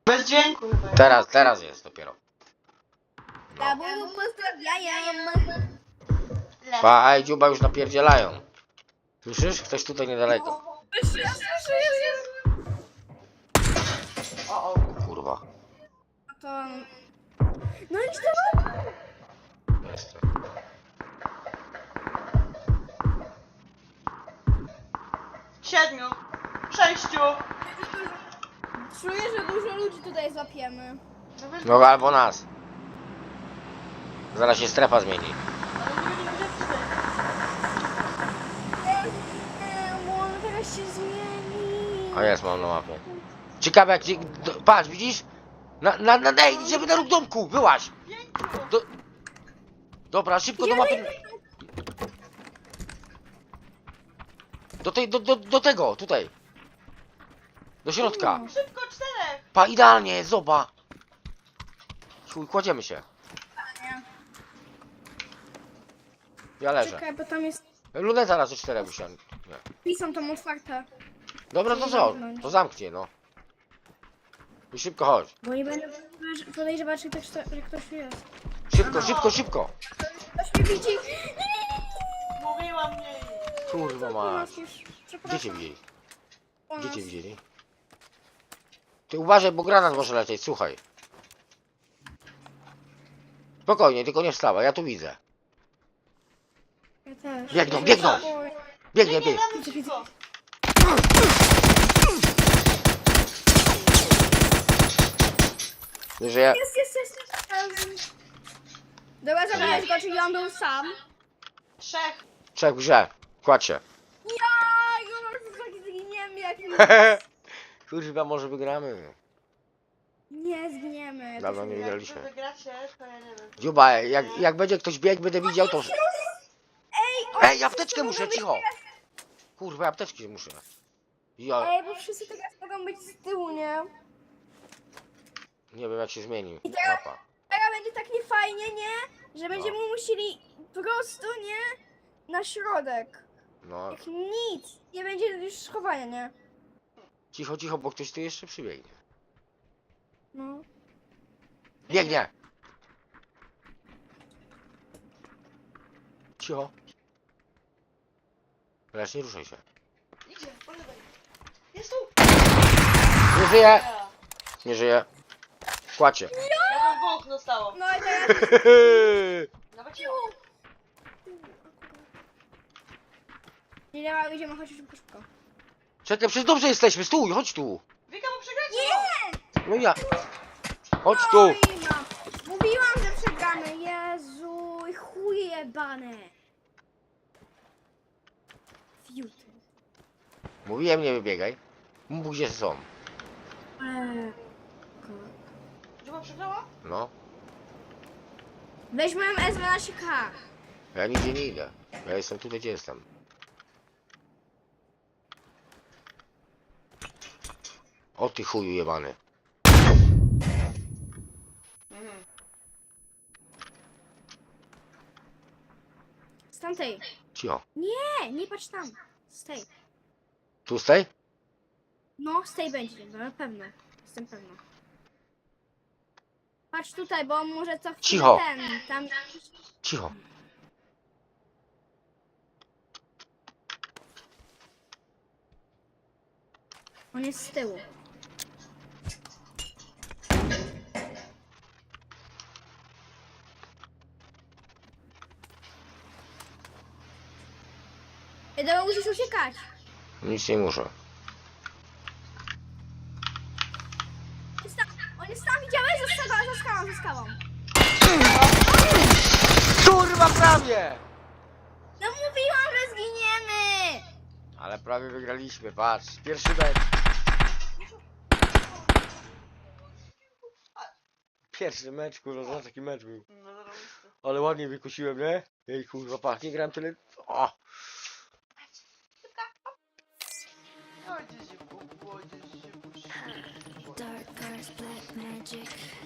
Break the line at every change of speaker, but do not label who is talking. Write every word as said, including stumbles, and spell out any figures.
Bez dźwięku chyba.
Teraz, teraz jest dopiero.
Tabu pozdrawiam.
Pa, ej, dziuba już napierdzielają. Słyszysz? Ktoś tutaj niedaleko.
Ja słyszę, jest.
O, o.
Kurwa.
To... No i co?
Jest.
Siedmiu. Sześciu.
Czuję, że dużo ludzi tutaj złapiemy.
No bez...
No albo nas. Zaraz się strefa zmieni.
Ale nie będziemy wiedzieć cztery.
Nie, bo on teraz się zmieni.
A jest, mam na mapie. Ciekawe jak ci... do- Patrz, widzisz? Na, na, na, ej, żeby na róg domku, wyłaź!
Pięciu.
Do... Dobra, szybko do mapy. Do tej, do, do, do tego, tutaj. Do środka.
Szybko, czterech.
Pa, idealnie, zoba. Chuj, kładziemy się. Ja leżę.
Czekaj, bo tam jest...
Luneta raz do czterech usiądę. Nie.
Pisam tam otwarte.
Dobra, to co? To zamknie, no. I szybko chodź.
Bo nie będę podejrzewać, że ktoś, że ktoś tu jest.
Szybko, szybko, szybko.
Ktoś mnie widzi.
Mówiłam mniej.
Kurwa mać. Gdzie cię
Przepraszam.
widzieli?
Po
Gdzie
nas.
cię widzieli? Ty uważaj, bo granat może lecieć, słuchaj. Spokojnie, tylko nie wstawaj, ja tu widzę.
Ja też.
Biegną, biegną!
Oj.
Biegnie,
Nie,
biegnie.
nawet cicho.
Że ja...
Jest, jest, jest. jest. Dobra, zabijesz go, czyli on był sam.
Trzech.
Trzech w grze. Kładź się.
Ja, już tak zginiemy jak
Kurwa, może wygramy.
Nie zginiemy.
Dawno nie
Jak wy
wygraliśmy.
wygracie, to ja nie wiem.
Dziuba, jak, jak będzie ktoś biegł, będę widział to... Ej, apteczkę muszę, cicho! Kurwa, apteczki muszę. Ja
Ej, bo wszyscy teraz mogą być z tyłu, nie?
nie wiem jak się zmieni mapa.
Teraz będzie tak niefajnie, nie? Że będziemy musieli prosto, nie? Na środek.
No,
Jak nic. Nie będzie już schowania, nie?
cicho, cicho, bo ktoś tu jeszcze przybiegnie.
No.
Biegnie! Cicho. Lecz nie ruszaj się.
Idzie, po lewej. Jest tu.
Nie żyje!
Ja.
Nie żyje. Kładź się.
Ja tam dwóch zostało.
No i teraz...
Nawet cicho.
Nie, nie, idziemy, chodź szybko, szybko.
Czekaj, przecież dobrze jesteśmy, stój, chodź tu.
Wika, bo przegracie.
No ja. Chodź tu.
Oj, no. Mówiłam, że przegramy. Jezu, chuje jebane. Fiuty.
Mówiłem, nie wybiegaj. Mów gdzie są.
Eee.
Dziuba przegrała?
No.
Weź moją S dwanaście K.
Ja nigdzie nie idę. Ja jestem tutaj, gdzie jestem. O ty chuju jebany.
Mhm.
Z tamtej.
Cicho.
Nie, nie patrz tam. Z tej.
Tu stej?
No, z tej będzie, no, na pewno. Jestem pewna. Patrz tutaj, bo on może co chwilę
Cicho.
ten, tam...
Cicho.
On jest z tyłu. Ej, dobra, musisz uciekać.
Nic nie muszę.
Jest tam, on jest tam, widziałeś? Za skałą, za skałą, za skałą.
Kurwa, prawie!
No mówiłam, że zginiemy!
Ale prawie wygraliśmy, patrz. Pierwszy mecz. Pierwszy mecz, kurwa, zobacz jaki mecz był.
No zarobiście.
Ale ładnie wykusiłem, nie? Ej, kurwa, patrz, nie gram tyle... O!
Ojciec się, ojciec się.
Dark arts, black magic.